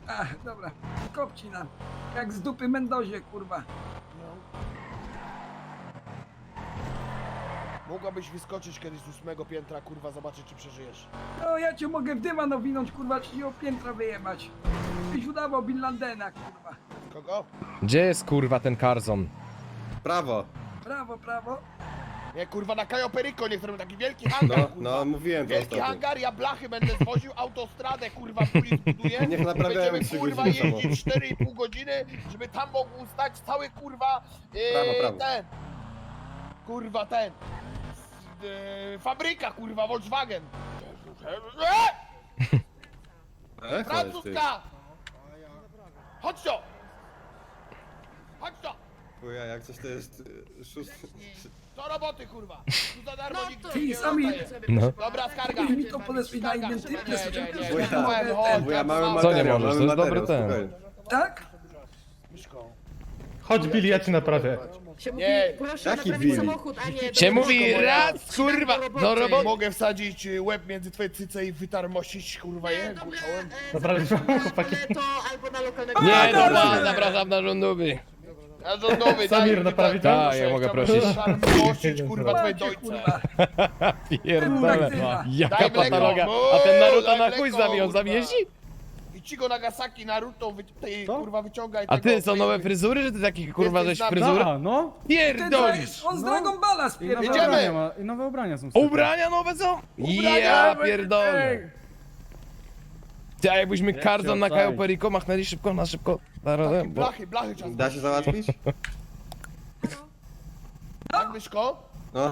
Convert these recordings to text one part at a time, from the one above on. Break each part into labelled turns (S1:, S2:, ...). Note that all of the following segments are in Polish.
S1: Ach, dobra. Kopci nam. Jak z dupy Mendozie, kurwa.
S2: Mogłabyś wyskoczyć kiedyś z 8 piętra, kurwa, zobaczyć czy przeżyjesz.
S1: No ja cię mogę w dywan owinąć, kurwa, ci o piętra wyjebać. Byś udawał Bin Ladena, kurwa.
S2: Kogo?
S3: Gdzie jest kurwa ten Karzon?
S4: Prawo.
S1: Prawo, prawo.
S2: Nie, kurwa, na Cayo Perico, niektórym taki wielki hangar,
S4: No,
S2: kurwa.
S4: no mówiłem to
S2: Wielki
S4: ostatnio.
S2: hangar, ja blachy będę zwoził, autostradę, kurwa, w Puli zbuduję.
S4: Niech naprawiają
S2: Będziemy,
S4: 3
S2: kurwa,
S4: godziny temu.
S2: jeździć 4,5 godziny, żeby tam mógł stać cały, kurwa,
S4: Prawo.
S2: ten. Kurwa, ten. Fabryka, kurwa, Volkswagen. Francuska! Chodź to! Chodź to!
S4: Chuja, jak coś to jest szósty...
S2: Do roboty, kurwa! Tu za darmo nikt
S1: Ty,
S2: nie
S1: sami-
S2: dostaje.
S3: No.
S2: Dobra, skarga!
S1: Weź mi to podesłaj na identyczne,
S4: Bo ja mamy
S3: Co nie
S4: materiał,
S3: możesz?
S4: mamy
S3: To jest dobry
S4: materiał,
S3: ten.
S4: spokojnie.
S1: Tak?
S5: Chodź Billy, ja ci naprawię.
S6: Się mówi,
S2: Nie,
S6: proszę
S4: jaki
S6: naprawić
S4: Billy?
S6: samochód, a nie...
S3: Się
S6: do-
S3: mówi raz kurwa do roboty.
S2: Mogę wsadzić łeb między twoje cyce i wytarmosić, kurwa,
S6: Nie,
S2: je
S6: dobra,
S2: głuczołem.
S5: Naprawić samochód, chłopaki.
S6: ale to albo na lokalnego...
S3: Nie,
S1: no,
S3: dobra,
S1: no.
S3: zapraszam na rządowy.
S2: A rządowy,
S5: Samir, naprawi to?
S3: Tak, ja mogę prosić.
S2: Wytarmosić, kurwa, twoje
S1: Macie,
S2: dojce.
S1: kurwa.
S3: Pierdolę. Jaka
S2: Daj mleko.
S3: patologia.
S2: O,
S3: A ten Naruto
S2: daj
S3: na
S2: mleko,
S3: chuj z nami, on z
S2: kurwa.
S3: nami jeździ?
S2: I ci go Nagasaki, Naruto, tej,
S5: Co?
S2: kurwa, wyciągaj
S3: A
S2: tego,
S3: ty, są
S2: tej-
S3: nowe fryzury, że ty takich kurwa
S2: Jesteś
S3: żeś
S2: na-
S3: fryzurę?
S5: Da, no.
S3: Pierdolisz!
S1: On z Dragon Balla
S5: I nowe
S1: spierdolił.
S2: Jedziemy.
S5: ubrania ma, i nowe ubrania są. w sklepie.
S3: Ubrania nowe co?
S2: Ubrania
S3: Ja
S2: nowe,
S3: pierdolę. Ty, a jakbyśmy Karzon na
S5: oddaję.
S3: Cayo Perico machnęli szybko, na szybko. Zarazem, bo...
S2: Blachy czas.
S4: Da się załatwić?
S2: Tak, Myszko?
S4: No.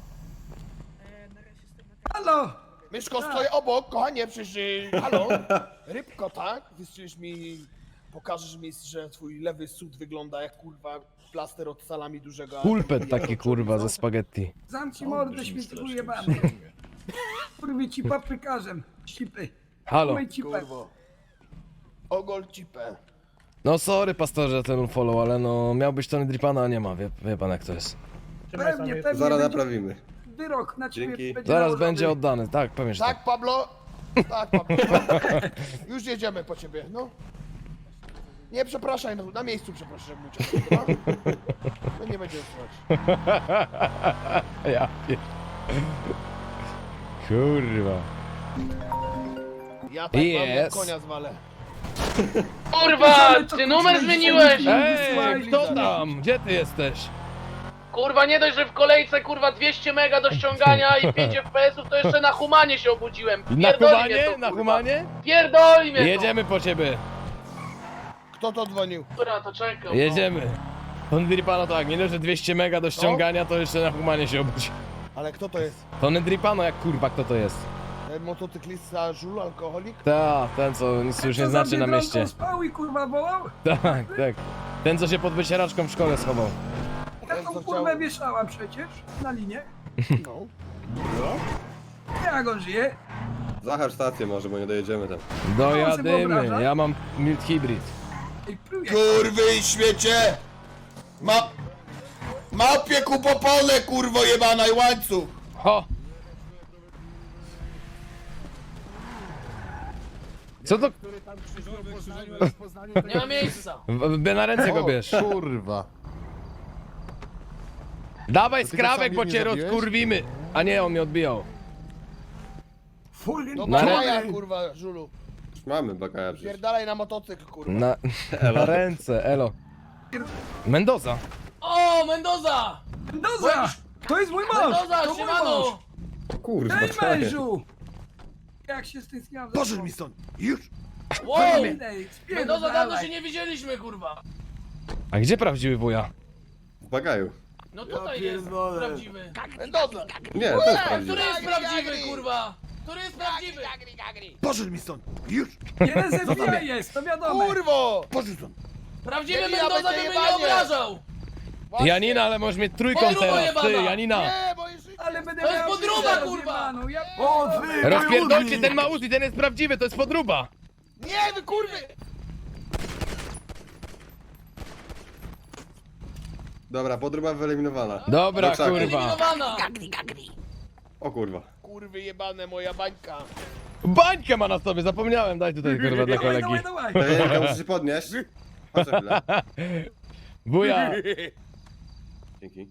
S1: Halo!
S2: Myszko, stoję obok, kochanie, przecież, halo? Rybko, tak? Wystrzelisz mi, pokażesz mi, że twój lewy sód wygląda jak, kurwa, plaster od salami dużego.
S3: Pulpet taki kurwa ze spaghetti.
S1: Zamknij mordę, śmieci ujebany. Kurwi ci paprykarzem. Cipy.
S3: Halo.
S1: Umyj cipę.
S2: Kurwo. Ogol cipę.
S3: No sorry pastorze ten follow, ale no miał być Tony Dripana, a nie ma, wie pan jak to jest.
S1: Pewnie
S4: Zaraz
S1: będzie
S4: naprawimy.
S1: wyrok na ciebie.
S4: Dzięki.
S1: będzie
S3: Zaraz
S1: nałożony.
S3: będzie oddany, tak, pewnie, że tak.
S2: Tak, Pablo? Tak, Pablo. Już jedziemy po ciebie, no. Nie, przepraszaj, no, na miejscu przepraszam, jak mój cię. No nie będzie słuchać.
S3: Ja pier... Kurwa.
S2: Ja tak mam, jak
S3: Yes.
S2: konia zwalę.
S7: Kurwa, ty numer zmieniłeś!
S3: Ej, kto tam? Gdzie ty jesteś?
S7: Kurwa, nie dość, że w kolejce kurwa 200 mega do ściągania i 5 FPS-ów, to jeszcze na humanie się obudziłem.
S3: Na
S7: Pierdoli mnie
S3: humanie?
S7: to,
S3: Na
S7: kurwa.
S3: humanie?
S7: Pierdoli mnie to.
S3: Jedziemy po ciebie.
S2: Kto to dzwonił?
S7: Dobra, to czekam.
S3: Jedziemy. Tony Dripano tak, nie dość, że 200 mega do ściągania, to jeszcze na humanie się obudzi.
S2: Ale kto to jest?
S3: Tony Dripano jak kurwa, kto to jest?
S2: Ten motocyklista, żul, alkoholik?
S3: Ta, ten co nic już nie
S1: Co
S3: znaczy
S1: za
S3: na
S1: biedronką
S3: mieście.
S1: spał i kurwa wołał?
S3: Tak, tak. Ten co się pod wycieraczką w szkole schował.
S1: Ja
S2: Ten,
S1: tą
S2: co
S1: kurwę
S2: chciał-
S1: wieszałam przecież na linię.
S2: No.
S1: Jak on żyje?
S4: Zahacz stację może, bo nie dojedziemy tam.
S3: Dojadymy,
S1: wyobraża?
S3: ja mam mild hybrid.
S1: Ej, pluje.
S2: Kurwy i śmiecie! Małpie ku popole, kurwo jebana i łańcuch!
S3: Ho! Co to?
S7: Nie ma miejsca.
S3: Na ręce go bierz.
S8: Kurwa.
S3: Dawaj
S8: ty go
S3: skrawek,
S8: sam
S3: bo
S8: nie
S3: cię
S8: zabiłeś?
S3: rozkurwimy. A nie, on mnie odbijał.
S2: No
S3: Na
S2: bagaja, kurwa, żulu.
S4: Już mamy bagaja przecież.
S2: Pierdalaj na motocykl, kurwa.
S3: Na ręce, elo. Mendoza.
S7: O, Mendoza!
S1: Mendoza! To jest mój mąż!
S7: Mendoza,
S1: To mój
S7: siemano!
S1: mąż!
S4: O kurwa,
S1: Ej,
S4: co jest?
S1: mężu! Jak się stęskniłam za
S2: Pożycz
S1: tobą.
S2: mi stąd! Już!
S7: Wow!
S1: Ej,
S7: Mendoza, dawno się
S1: spierdalaj.
S7: nie widzieliśmy, kurwa.
S3: A gdzie prawdziwy wuja?
S4: W bagaju.
S7: No tutaj jest prawdziwy.
S2: Mendoza!
S4: Nie, to jest
S7: Który
S4: prawdziwe.
S7: jest prawdziwy, kurwa? Który jest prawdziwy?
S2: Pożycz mi stąd! Już!
S1: Jeden ze FBI jest, to wiadomo.
S2: Kurwo! Pożycz stąd!
S7: Prawdziwy
S2: Janina,
S7: Mendoza
S2: będzie
S7: by mnie nie
S2: jebanie.
S7: obrażał!
S2: Właśnie.
S3: Janina, ale możesz mieć trójkąt
S7: Podrubo
S3: teraz.
S7: jebana.
S3: Ty, Janina.
S2: Nie, bo jest życie!
S1: Ale będę
S7: To jest
S1: miał
S7: podróba,
S1: życie
S7: kurwa.
S1: rozjebaną, Ja...
S3: Rozpierdolcie, ten ma Uzi, ten jest prawdziwy, to jest podruba.
S2: Nie, wy kurwy!
S4: Dobra, podróba wyeliminowana.
S3: Dobra,
S4: Do krzaku.
S3: kurwa.
S7: Eliminowana!
S4: O kurwa.
S2: Kurwy jebane, moja bańka.
S3: Bańkę ma na sobie, zapomniałem, daj tutaj kurwa dla
S1: Dawaj,
S3: kolegi.
S1: dawaj, dawaj.
S4: Danielka, musisz się podnieść. Chodź na chwilę.
S3: Buja!
S4: Dzięki.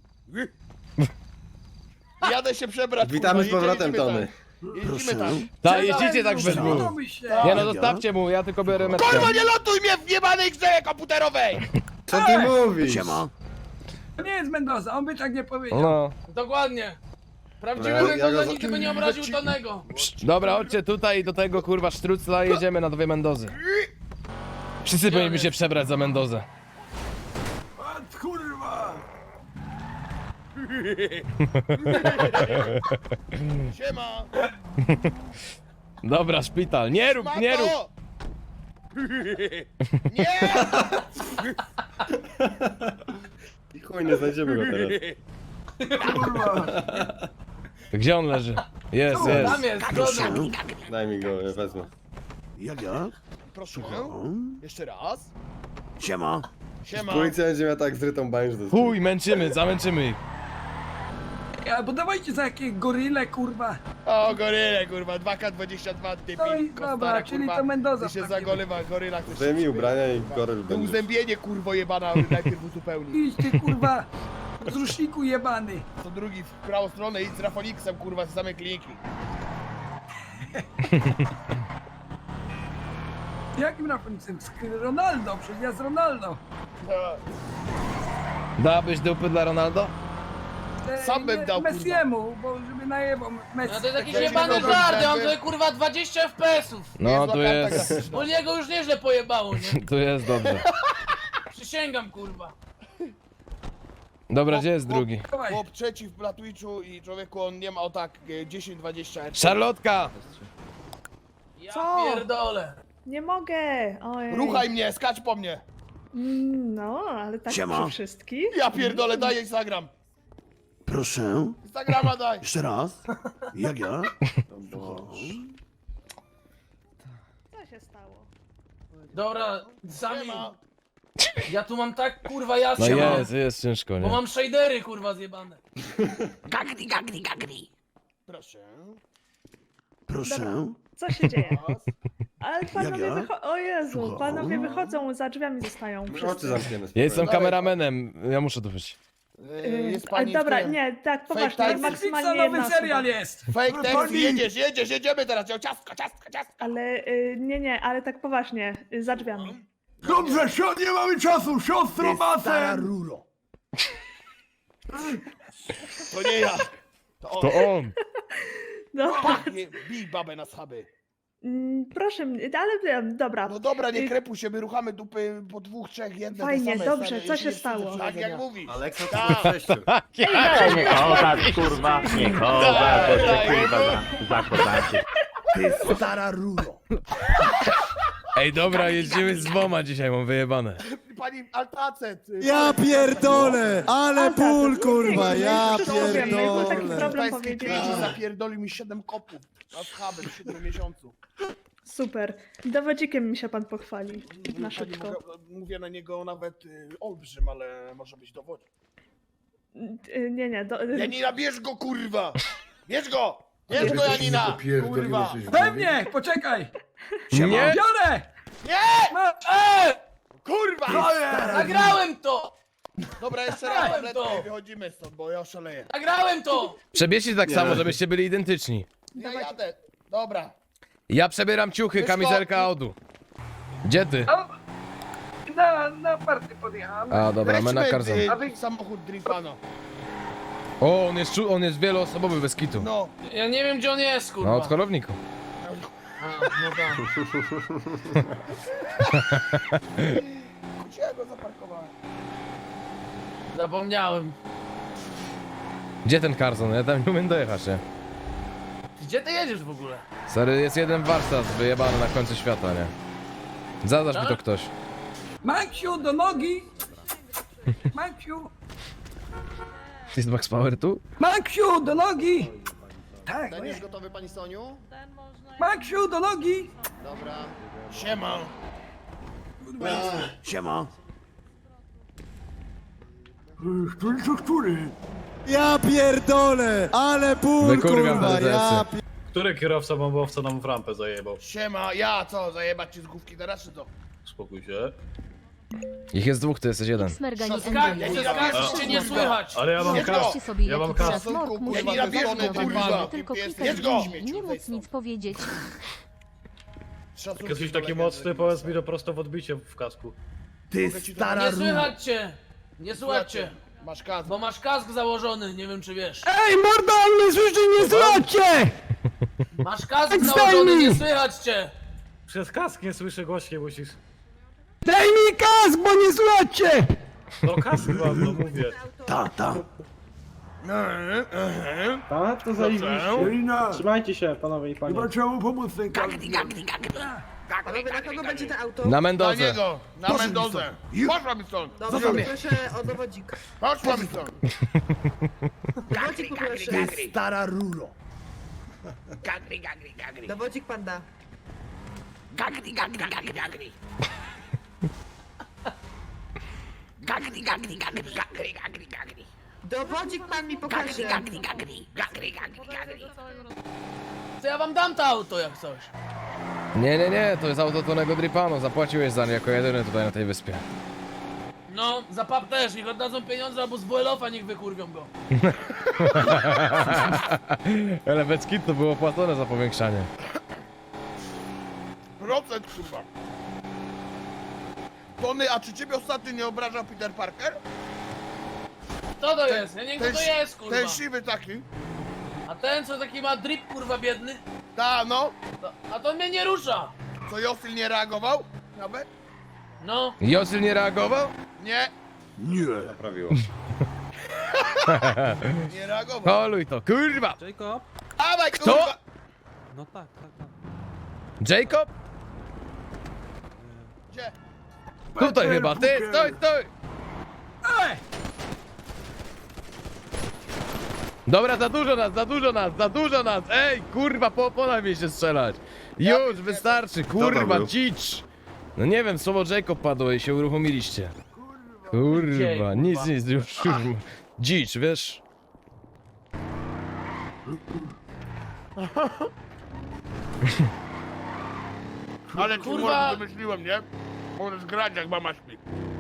S2: Jadę się przebrać,
S4: Witamy z
S2: kurwa,
S4: powrotem,
S2: jedziemy
S4: Tony.
S2: tam. Jeździmy tam.
S3: Tak, jeździcie tak bez dwóch.
S1: Podoby się.
S3: Nie no, zostawcie mu, ja tylko biorę metkę.
S2: Kurwa, nie lotuj mnie w jebanej grze komputerowej!
S4: Co ty mówisz?
S1: To nie jest Mendoza, on by tak nie powiedział.
S3: No.
S7: Dokładnie. Prawdziwy
S4: Ja
S7: Mendoza
S4: go-
S7: nigdy by nie obraził Tonego.
S3: Dobra, chodźcie tutaj do tego kurwa sztrucla i jedziemy na dwie Mendozy. Wszyscy powinni się przebrać za Mendozę.
S1: A, kurwa!
S2: Siema!
S3: Dobra, szpital. Nie rób, nie rób!
S2: Mato! Nie!
S4: I chuj, nie znajdziemy go teraz.
S1: Kurwa!
S3: Gdzie on leży? Jest, jest.
S7: Tam jest, zgoda.
S4: Daj mi go, ja wezmę.
S2: Proszę. Jeszcze raz.
S6: Siema.
S2: Siema.
S4: Policja będzie miała tak zrytą bań, że to jest...
S3: Chuj, męczymy, zamęczymy ich.
S1: Ja, bo dawajcie za jakieś goryle, kurwa.
S2: O, goryle, kurwa, 2K22,
S1: No
S2: debil,
S1: i dobra,
S2: kostara,
S1: czyli
S2: kurwa.
S1: to Mendoza.
S2: Ty się
S1: w takim
S2: zagolewa, goryla chcesz
S4: Zdejmij
S2: się
S4: ubrania i goryl
S2: To
S4: będzie.
S2: uzębienie, kurwo, jebana, najpierw uzupełni.
S1: Idź ty, kurwa, z ruszniku jebany.
S2: To drugi w prawą stronę i z Rafoniksem, kurwa, z same kliniki.
S1: Jakim rapuncem? Z Ronaldo, przecież ja z Ronaldo.
S2: No.
S3: Dałabyś dupy dla Ronaldo?
S2: Sam bym dał, kurwa.
S1: Messiemu, bo żeby najebał Messi.
S7: No to jest jakiś
S2: Weźmy
S7: jebany
S2: dobra,
S7: żart, ja mam
S2: żeby-
S7: tutaj kurwa 20 FPS-ów.
S3: No,
S2: Niezła
S3: tu
S2: karta
S3: jest,
S2: klasyczna.
S7: Bo niego już nieźle pojebało, nie?
S3: tu jest dobrze.
S7: Przysięgam, kurwa.
S3: Dobra, gdzie jest drugi?
S1: Dawaj.
S2: Chłop trzeci na Twitchu i człowieku, on nie ma o tak 10-20 RP.
S3: Szarlotka!
S7: Ja
S8: Co?
S7: pierdolę.
S8: Nie mogę! Ojej.
S2: Ruchaj mnie, skacz po mnie.
S8: No, ale tak
S6: Siema.
S8: przy wszystkich.
S2: Ja pierdolę, daj Instagram.
S6: Proszę.
S2: Instagrama daj.
S6: Jeszcze raz. Jak ja?
S8: Co się stało?
S7: Dobra, sami.
S2: Siema.
S7: Ja tu mam tak kurwa
S3: No
S7: jasno.
S3: jest ciężko,
S7: Bo
S3: nie?
S7: mam shadery kurwa zjebane.
S2: Proszę.
S6: Proszę.
S8: Co się dzieje?
S2: Raz.
S8: Ale panowie
S6: Jaga?
S8: wychodzą. O Jezu,
S6: Słucham?
S8: panowie wychodzą, za drzwiami zostają.
S4: Oczy
S8: wszyscy.
S4: zamkniemy.
S3: Ja jestem
S2: Dawaj.
S3: kameramenem, ja muszę tu być.
S2: Jest
S8: Ale
S2: pani
S8: dobra,
S2: w tym.
S8: nie, tak,
S2: Fake
S8: poważnie,
S2: taxi.
S8: maksymalnie
S1: Netflixa
S8: jedna
S1: nowy serial
S8: osoba.
S1: jest.
S2: Fake taxi,
S1: Pani-
S2: jedziesz, jedziemy teraz, ciastko.
S8: Ale nie, ale tak poważnie, za drzwiami.
S1: Dobrze, nie mamy czasu, siostro
S2: Stara ruro. To nie ja. To on.
S3: To on!
S8: No,
S2: Pachnie, bij babę na schaby.
S8: proszę mnie, ale dobra.
S2: No dobra, nie krepuj się, my ruchamy dupy po 2, 3, jedne
S8: Fajnie,
S2: te same,
S8: dobrze,
S2: stare,
S8: co
S2: jeśli
S8: się
S2: jest
S8: stało?
S2: coś do
S4: Tak jak
S2: powiedzenia.
S4: mówisz. Aleksa,
S2: Tak.
S4: to jest 6.
S9: Nie chować, kurwa, nie chować, bo się kurwa zakozacie.
S2: Ty stara ruro.
S3: Ej, dobra, jeździmy z dwoma dzisiaj, mam wyjebane.
S2: Pani Altacet.
S10: Ja pierdolę! Ale ból, kurwa, ja
S8: Wiem, no jest to taki
S10: pierdolę!
S8: problem
S2: Pański
S8: powiedzieć.
S2: klienci zapierdolił mi 7 kopów na schaby w 7 miesiącu.
S8: Super. Dowodzikiem mi się pan pochwali. Na
S2: Pani
S8: szybko.
S2: mówię na niego nawet olbrzym, ale może być dowodem.
S8: Nie,
S2: Janina, bierz go, kurwa! Bierz go! Bierz go, Janina! Kurwa!
S1: Pewnie, poczekaj.
S3: Nie?
S1: Biorę.
S2: Nie!
S1: Ma...
S2: Kurwa!
S7: Nagrałem to!
S2: Dobra, jeszcze
S7: Dałem
S2: raz, tabletkę
S7: to!
S2: i wychodzimy stąd, bo ja oszaleję.
S7: Nagrałem to!
S3: Przebierzcie tak samo, żebyście byli identyczni.
S2: Ja jadę. Dobra.
S3: Ja przebieram ciuchy,
S2: Wyszło.
S3: kamizelka Audu. Gdzie ty?
S1: Na party podjechałem.
S3: A, dobra, my na
S2: Weźmy,
S3: Karzon.
S2: samochód Drifano.
S3: O, on jest wieloosobowy, bez kitu.
S2: No.
S7: Ja nie wiem gdzie on jest kurwa.
S3: No, od holowniku.
S7: A, no tak.
S2: Gdzie ja go zaparkowałem?
S7: Zapomniałem.
S3: Gdzie ten Karzon? Ja tam nie umiem dojechać, nie?
S7: Gdzie ty jedziesz w ogóle?
S3: Stary, jest jeden warsztat wyjebany na końcu świata, nie? Zadasz mi to ktoś.
S1: Maksiu, do nogi. Maksiu.
S3: Jest Max Power tu?
S1: Maksiu, do nogi. Tak,
S4: Ten jest gotowy, pani Soniu?
S1: Maksiu, do nogi.
S4: Dobra.
S2: Siema.
S6: Siema.
S10: Ja pierdolę! Ale ból,
S3: Wykurwiam
S10: kurwa,
S3: te
S10: ja
S3: plecy.
S5: Który kierowca bombowca nam w rampę zajebał?
S2: Siema, ja co, zajebać ci z główki teraz czy to?
S5: Spokój się.
S3: Ich jest dwóch, ty jesteś jeden.
S7: Cię nie słychać.
S5: Ale ja mam
S2: Jedź
S5: kas.
S2: go!
S11: sobie
S5: Ja mam
S11: jaki
S5: kas.
S11: smok musi
S2: Ja
S11: być
S2: nie robię,
S11: zareagowany,
S2: kurwa.
S11: tylko
S2: Jedź
S11: klikać
S2: go!
S11: guzik, nie móc nic powiedzieć.
S2: Szacunki
S5: Jak jesteś
S2: do
S5: taki
S2: legendy.
S5: mocny, powiedz mi to prosto w odbicie w kasku.
S10: Ty
S2: Mogę ci to
S10: stara
S7: Nie
S10: ru...
S7: słychać cię. Nie słuchać cię.
S2: Masz kask.
S7: Bo masz kask założony, nie wiem czy wiesz.
S1: Ej, morda, on mnie słyszy, nie słuchajcie!
S7: Masz kask
S1: Zdejmij!
S7: założony, nie słychać cię.
S5: Przez kask nie słyszę, głośniej musisz.
S1: Daj mi kask, bo nie słuchajcie!
S5: No kask mam, no mówię.
S6: Ta.
S5: A, to
S2: Dobrze.
S5: Trzymajcie się, panowie i panie.
S1: Chyba trzeba mu pomóc ten kask.
S3: Na
S2: Na
S3: Mendozę.
S2: niego, na Mendozę. Poszła mi stąd.
S8: Proszę o dowodzik.
S2: Poszła mi stąd.
S8: Dowodzik poproszę.
S10: Ty stara ruro.
S8: Dowodzik pan da. Dowodzik pan mi pokaże.
S7: To ja wam dam to auto jak coś.
S3: Nie, to jest auto Tonego Dripano. Zapłaciłeś za nie jako jedyny tutaj na tej wyspie.
S7: No, za pap też, niech oddadzą pieniądze albo z WLOF-a niech wykurwią go.
S3: Ale bez kit to było płacone za powiększanie.
S2: Procent chyba. Tony, a czy ciebie ostatnio nie obrażał Peter Parker?
S7: Co to jest? Ja nie wiem kto to jest, kurwa.
S2: Ten siwy taki.
S7: A ten co taki ma drip, kurwa, biedny?
S2: Ta, no.
S7: A to mnie nie rusza.
S2: Co Josyl nie reagował? Nawet?
S7: No.
S3: Josyl nie reagował?
S2: Nie,
S6: Nie.
S4: Naprawiło.
S2: nie reagował.
S3: Holuj to, kurwa!
S2: Dawaj,
S3: Kto?
S2: kurwa!
S3: Jacob?
S2: Gdzie?
S3: Tutaj chyba, ty, stój! Dobra, za dużo nas! Ej, kurwa, po oponach mi się strzelać! Już, wystarczy, kurwa,
S4: był?
S3: dzicz! No nie wiem, słowo Jacob padło i się uruchomiliście. Kurwa, nic, już. Dzicz, wiesz?
S2: Ale ci
S7: Kurwa.
S2: kurwa wymyśliłem, nie? Możesz grać jak mama śpi.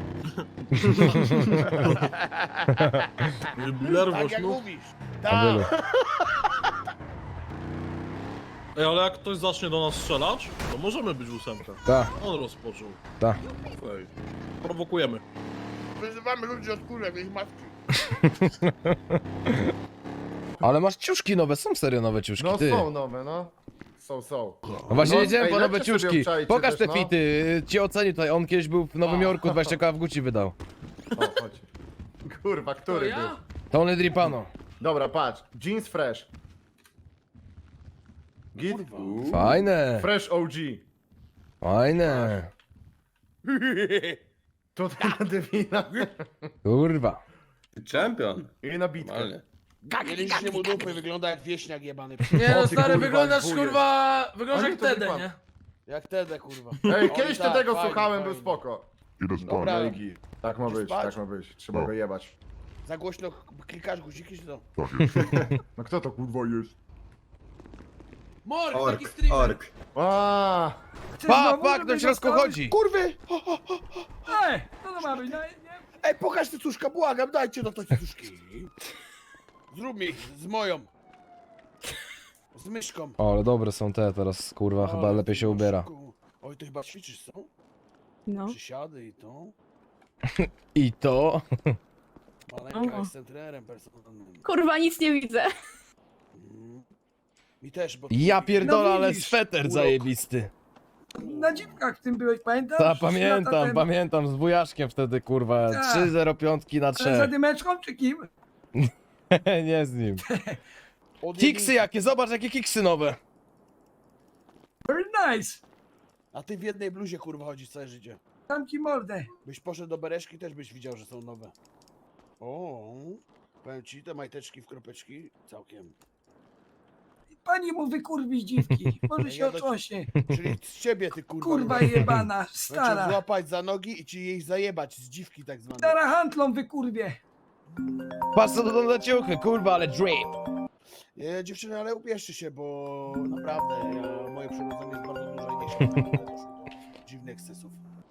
S2: Tak jak mówisz.
S3: Abylu.
S2: Tak.
S5: Ej, ale jak ktoś zacznie do nas strzelać, to możemy być ósemka.
S3: Ta,
S5: On rozpoczął.
S3: ta.
S5: Ej, prowokujemy.
S2: Wyzywamy ludzi od kurek, ich matki.
S3: Ale masz ciuszki nowe, są serio nowe ciuszki, ty.
S4: nowe, no. Są.
S3: No właśnie
S4: No,
S3: jedziemy
S4: ej,
S3: po nowe
S4: lepsze sobie
S3: ciuszki.
S4: obczajcie
S3: Pokaż
S4: też,
S3: te
S4: no.
S3: fity, ci oceni tutaj, on kiedyś był w Nowym Jorku, 20 koła w Gucci wydał.
S4: O, chodź. Kurwa,
S7: To
S4: który był?
S7: ja?
S3: Tony Dripano.
S4: Dobra, patrz. Jeans fresh. Git?
S3: Fajne,
S4: Fresh OG.
S3: fajne.
S4: Tutaj na dywina.
S3: Kurwa.
S4: Champion. I na bitkę.
S2: Mieliście mu dupy, wygląda jak wieśniak jebany.
S7: Nie no
S4: O, ty
S7: stary,
S4: kurwa,
S7: wyglądasz
S4: wujek.
S7: kurwa... Wyglądasz
S4: Oni
S7: jak
S4: to
S7: Tede,
S4: wypadł.
S7: nie?
S2: Jak Tede, kurwa.
S4: Ej,
S2: Oj,
S4: kiedyś
S2: tak,
S4: tego
S2: fajnie,
S4: słuchałem, był
S2: fajnie.
S4: spoko.
S2: Dobra,
S4: Tak ma
S2: Idziesz
S4: być,
S2: spać?
S4: tak ma być. Trzeba go jebać.
S2: za głośno klikasz guziki, czy to?
S4: No kto to kurwa jest?
S7: Morg, taki streamer.
S4: Aaa!
S1: Chcesz
S3: Pa,
S1: znowu,
S3: pa,
S1: żeby
S3: ktoś środku
S1: dostałeś?
S3: chodzi.
S2: Kurwy!
S1: Ej, co to ma być? No, nie.
S2: Ej, pokaż te cuszka, błagam, dajcie no to te cuszki. Zrób mi z moją. Z myszką.
S3: O, ale dobre są te teraz, kurwa, chyba
S2: Ale
S3: lepiej
S2: ty
S3: się
S2: masz
S3: ubiera.
S2: szybko. Oj, to chyba ćwiczysz, co?
S8: No.
S2: Przysiady i to.
S3: I to?
S2: Maleńka jestem trenerem personalnym.
S8: Kurwa, nic nie widzę.
S2: Mi też, bo...
S3: Ja pierdolę,
S1: No
S3: ale
S1: widzisz,
S3: sweter
S2: urok.
S3: zajebisty.
S1: Na dziwkach w tym byłeś, pamiętasz?
S3: Ta,
S1: 3 lata temu.
S3: pamiętam, z wujaszkiem wtedy, kurwa,
S1: Ta.
S3: 3,05 na
S1: Ale za
S3: 3.
S1: dymeczką czy kim?
S3: Nie z nim.
S2: Od
S3: Kiksy
S2: jedynki.
S3: jakie, zobacz jakie kiksy nowe.
S1: Very nice.
S2: A ty w jednej bluzie, kurwa, chodzisz całe życie.
S1: Dam ci mordę.
S2: Byś poszedł do Bereszki, też byś widział, że są nowe. O, powiem ci, te majteczki w kropeczki, całkiem.
S1: Pani mu wykurwi dziwki. Może się
S2: Ja do-
S1: otrząśnie.
S2: Czyli z ciebie, ty kurwa.
S1: Kurwa jebana,
S2: Będę cię
S1: stara.
S2: złapać za nogi i ci jej zajebać z dziwki tak zwanej.
S1: Stara handlą wykurwie.
S3: Patrz co to są za ciuchy, kurwa, ale drip.
S2: Dziewczyny, ale ubierzcie się, bo naprawdę moje przyrodzenie jest bardzo duże i nie się doszło do dziwnych ekscesów.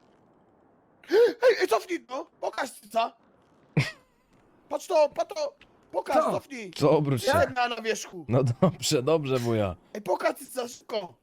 S2: Hej, cofnij to! Pokaż cyca! Patrz to, pokaż,
S1: Co?
S2: cofnij!
S3: Co, obróć się.
S2: Jedna na wierzchu!
S3: No dobrze, wuja.
S2: Ej, pokaż cyca, szybko!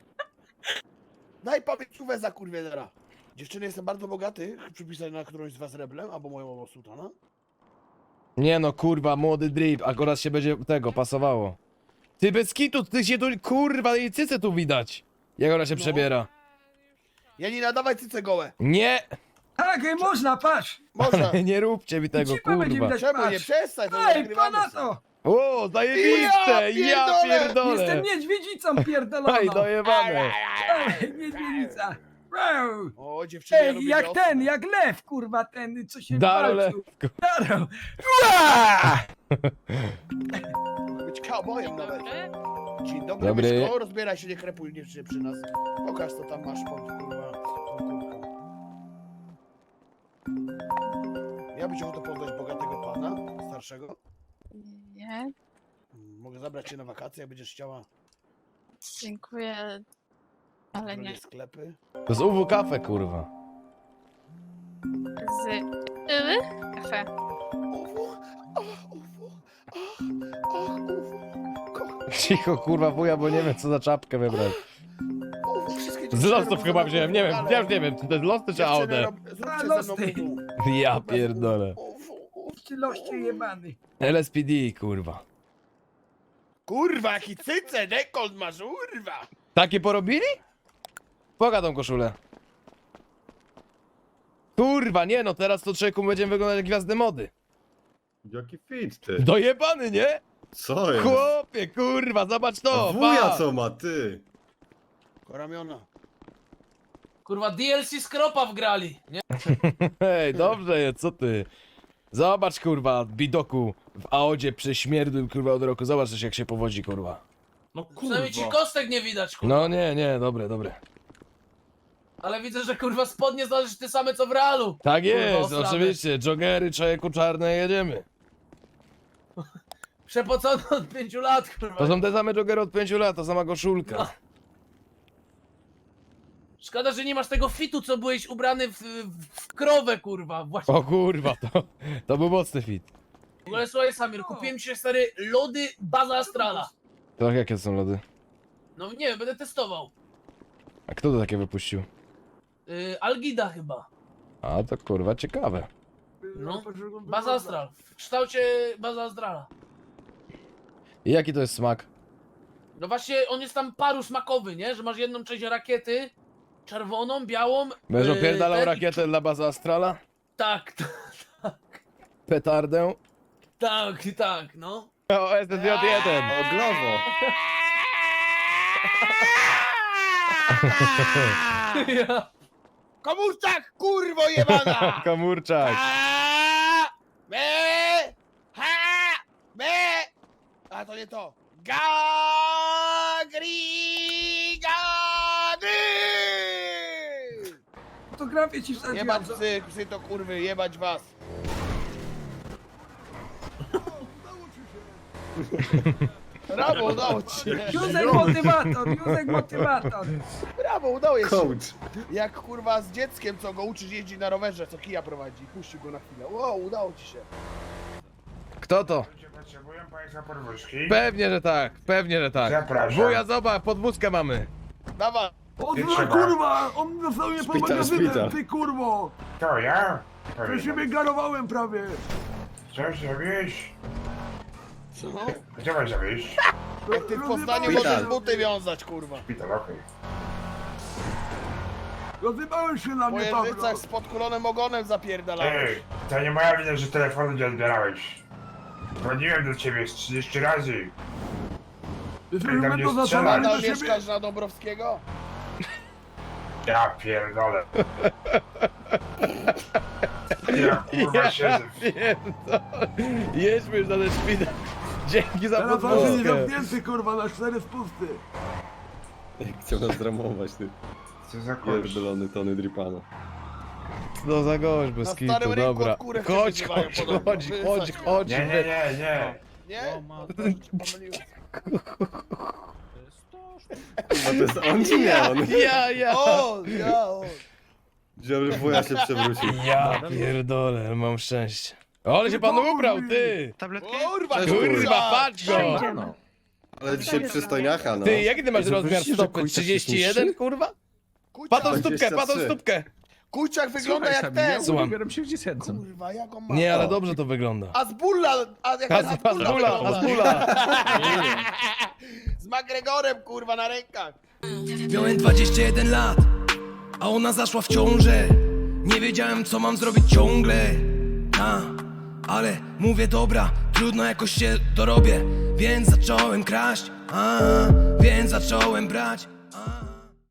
S2: Daj pamięciówę za kurwielera. Dziewczyny, jestem bardzo bogaty. Przypisać na którąś z was reblem, albo moją sultana.
S3: Nie no, kurwa, młody drip, akurat się będzie tego pasowało. Ty bez kitu, ty się tu, kurwa, jej cyce tu widać. Jak ona się przebiera.
S2: Janina, dawaj cyce gołe.
S3: Nie,
S1: Tak, można, patrz.
S2: Można.
S3: nie róbcie mi tego,
S1: Cipa będzie
S3: kurwa.
S1: widać,
S2: Czemu nie?
S1: patrz.
S2: Przestań, to
S1: Ej,
S2: nagrywamy
S1: pana
S2: sobie.
S1: to!
S3: O, zajebiste, ja pierdolę.
S1: Jestem niedźwiedzicą pierdoloną.
S3: Aj, dojebane.
S1: Ej, niedźwiedzica. Wow.
S2: O, dziewczyny, ja
S1: Ej,
S2: lubię
S1: jak
S2: wiosnę.
S1: ten, jak lew, kurwa, ten, co się
S3: Daro
S1: walczył.
S3: lew.
S1: Daro.
S2: Być cowboyem nawet. Dzień dobry,
S3: Dobry.
S2: Myszko. Rozbieraj się, nie krepuj nie przy nas. Pokaż, co tam masz pod, kurwa, tą kurtką. Ja bym chciał to poznać bogatego pana, starszego.
S11: Nie,
S2: Mogę zabrać cię na wakacje, jak będziesz chciała.
S11: dziękuję, ale
S2: Drogie
S11: nie.
S2: sklepy.
S3: To z UW kafe, kurwa.
S11: Z kafe.
S2: Uwu, kocham.
S3: Cicho, kurwa, wuja, bo nie wiem, co za czapkę wybrać.
S2: Wszystkie
S3: Z
S2: dziewczyny
S3: losów
S2: robią
S3: chyba
S2: za
S3: wziąłem,
S2: mną
S3: nie wiem,
S2: galę.
S3: ja już nie wiem, czy to jest losy czy
S2: Dziewczyny,
S3: AOD.
S2: zróbcie ze mną
S1: losy.
S2: uwu.
S3: Ja pierdolę.
S1: Loście jebany.
S3: LSPD, kurwa.
S2: Kurwa, jaki cyce, dekolt masz, kurwa!
S3: Takie porobili? Poga tą koszulę. Kurwa, nie no, teraz to człowieku będziemy wyglądać jak gwiazdy mody.
S4: Jaki fit, ty.
S3: Dojebany, nie?
S4: Co jest?
S3: Chłopie, kurwa, zobacz to,
S4: Wuja
S3: pa.
S4: co ma, ty?
S2: Koramiona.
S7: Kurwa, DLC Skropa wgrali, nie?
S3: Hej, dobrze jest, co ty? Zobacz, kurwa, bidoku w Aodzie prześmierdłym, kurwa, od roku. Zobacz jak się powodzi, kurwa.
S5: No kurwa.
S7: Przynajmniej ci kostek nie widać, kurwa.
S3: No nie, dobre.
S7: Ale widzę, że kurwa spodnie znaleźć te same co w realu.
S3: Tak
S7: Kurwa,
S3: jest,
S7: osrane.
S3: oczywiście. Joggery, człowieku, czarne, jedziemy.
S7: Przepocony od 5 lat, kurwa.
S3: To są te same joggery od 5 lat, ta sama koszulka.
S7: No. Szkoda, że nie masz tego fitu, co byłeś ubrany w krowę, kurwa. Właśnie.
S3: O kurwa, to był mocny fit.
S7: W ogóle słuchaj, Samir, kupiłem ci stary lody Baza Astrala.
S3: To jakie są lody?
S7: No nie wiem, będę testował.
S3: A kto to takie wypuścił?
S7: Algida chyba.
S3: A to kurwa ciekawe.
S7: No, Baza Astral. W kształcie Baza Astrala.
S3: I jaki to jest smak?
S7: No właśnie, on jest tam paru smakowy, nie? Że masz jedną część rakiety, czerwoną, białą.
S3: Będziesz opierdalał
S7: ten-
S3: rakietę dla bazy Astrala?
S7: Tak,
S3: Petardę?
S7: tak, no.
S3: O, SSJ1!
S4: O, glowo.
S7: Ja.
S2: Komórczak, kurwo jebana!
S3: Komórczak!
S2: A, me, ha, me. A to nie to. Gagri, gagri!
S1: Fotografię ci wsadziłem.
S2: Jebać psy to kurwy, jebać was. Brawo, udało ci się.
S1: Józek motywator.
S2: Brawo, udało się.
S4: Coach.
S2: Jak kurwa z dzieckiem, co go uczysz jeździć na rowerze, co kija prowadzi. Puścił go na chwilę. Wow, udało ci się.
S3: Kto to?
S12: Potrzebują państwa podwózki?
S3: Pewnie, że tak, pewnie, że tak.
S12: Zapraszam.
S3: Wuja, zobacz, podwózkę mamy.
S2: Dawaj.
S12: Trzeba.
S10: Kurwa, on dostał mnie pod magazynem, ty kurwo!
S12: To ja?
S10: To się wygarowałem prawie!
S12: Co zrobisz?
S2: Co?
S12: Gdzie masz zawieźć?
S2: Jak ty w Poznaniu możesz buty wiązać, kurwa.
S12: Szpital, okej.
S10: Rozjebałeś się na
S2: Po
S10: mnie, Pawlo!
S2: jeżycach z podkulonym ogonem zapierdalałeś.
S12: Ej, to nie moja wina, że telefonu nie odbierałeś. Dzwoniłem do ciebie z 30 razy.
S10: Jesteśmy
S12: tam nie
S10: będą
S12: strzela.
S10: zaczynali
S2: Nadal
S10: do siebie!
S2: mieszkasz na Dąbrowskiego?
S12: Ja pierdolę. Ja kurwa siedzę.
S3: Jedźmy już na ten szpital. Dzięki za
S10: Teraz on się nie
S3: podwózkę.
S10: zamknięty, kurwa, na 4 spusty!
S4: Chciał nas dramować, ty.
S12: Co za kurwa.
S4: Pierdolony Tony Dripano.
S3: No za gość, bez
S2: Na
S3: kitu,
S2: starym rynku
S3: dobra.
S2: od kurek
S3: Chodź,
S2: się wyzywają podobno.
S3: chodź.
S12: Nie.
S2: Nie?
S5: O,
S2: Pomyliłem.
S4: Kurwa, to jest on czy nie on?
S3: Ja.
S2: O!
S4: Dziobry wuja się przewrócił.
S3: Ja pierdolę, mam szczęście. O, ale się pan ubrał, ty!
S2: Kurwa,
S3: Kurwa, patrz go!
S8: Przejdziemy.
S4: Ale dzisiaj przystojniacha, no.
S3: Ty, jaki ty masz rozmiar
S10: Zobaczcie, że
S3: stopy?
S10: Kujczak się
S3: 31,
S10: niższy?
S3: kurwa? Patą stópkę,
S4: 23.
S3: Kujczak wygląda jak
S10: Słuchaj,
S3: ten! Słucham.
S10: Ubieram się w dziecięcym.
S2: Kurwa, jak on ma?
S3: Nie, ale dobrze to wygląda.
S2: Azbulla!
S3: Azbula!
S2: Z McGregorem, kurwa, na rękach.
S13: Miałem 21 lat, a ona zaszła w ciążę. Nie wiedziałem, co mam zrobić ciągle. Ale mówię, dobra, trudno, jakoś się dorobię. Więc zacząłem kraść, więc zacząłem brać.